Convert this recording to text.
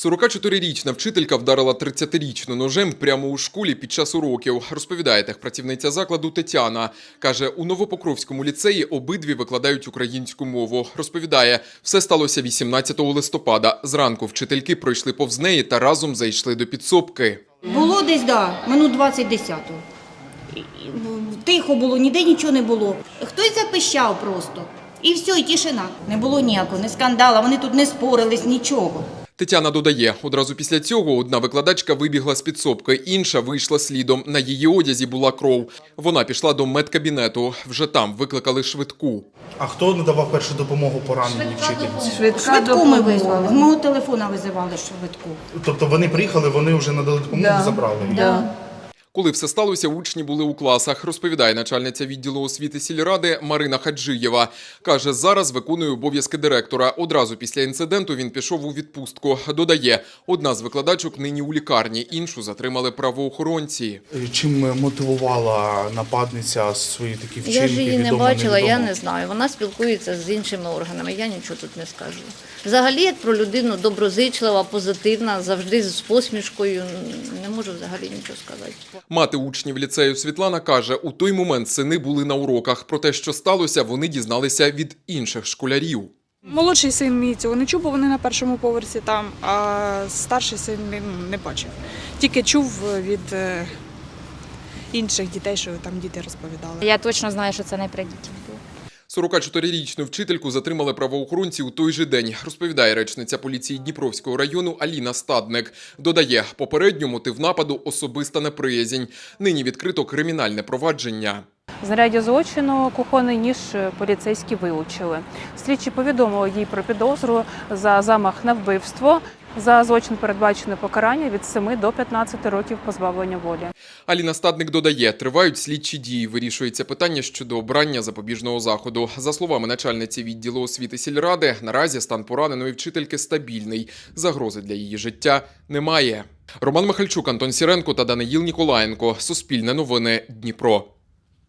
44-річна вчителька вдарила 30-річну ножем прямо у школі під час уроків. Розповідає техпрацівниця закладу Тетяна. Каже, у Новопокровському ліцеї обидві викладають українську мову. Розповідає, все сталося 18 листопада. Зранку вчительки пройшли повз неї та разом зайшли до підсобки. Було десь, минут 20 10-го. Тихо було, ніде нічого не було. Хтось запищав просто. І все, і тишина. Не було ніякого, не скандала, вони тут не спорились, нічого. Тетяна додає, одразу після цього одна викладачка вибігла з підсобки, інша вийшла слідом. На її одязі була кров. Вона пішла до медкабінету. Вже там викликали швидку. А хто надавав першу допомогу пораненій вчительці? Швидку ми визвали, з мого телефона визивали швидку. Тобто вони приїхали, вони вже надали допомогу, забрали її? Да. Коли все сталося, учні були у класах, розповідає начальниця відділу освіти сільради Марина Хаджиєва. Каже, зараз виконує обов'язки директора. Одразу після інциденту він пішов у відпустку. Додає, одна з викладачок нині у лікарні, іншу затримали правоохоронці. Чим мотивувала нападниця свої такі вчинки? Я ж її не відомо, бачила, я невідомо? не знаю. Вона спілкується з іншими органами, я нічого тут не скажу. Взагалі, як про людину доброзичлива, позитивна, завжди з посмішкою, не можу взагалі нічого сказати. Мати учнів ліцею Світлана каже, у той момент сини були на уроках. Про те, що сталося, вони дізналися від інших школярів. Молодший син мій цього не чув, бо вони на першому поверсі там, а старший син не бачив. Тільки чув від інших дітей, що там діти розповідали. Я точно знаю, що це не при дітях було. 44-річну вчительку затримали правоохоронці у той же день, розповідає речниця поліції Дніпровського району Аліна Стадник. Додає, попередньо мотив нападу – особиста неприязнь. Нині відкрито кримінальне провадження. Знаряддя злочину кухонний ніж поліцейські вилучили. Слідчі повідомили їй про підозру за замах на вбивство. За злочин передбачено покарання від 7 до 15 років позбавлення волі. Аліна Стадник додає, тривають слідчі дії, вирішується питання щодо обрання запобіжного заходу. За словами начальниці відділу освіти сільради, наразі стан пораненої вчительки стабільний. Загрози для її життя немає. Роман Михальчук, Антон Сіренко та Даниїл Ніколаєнко. Суспільне новини. Дніпро.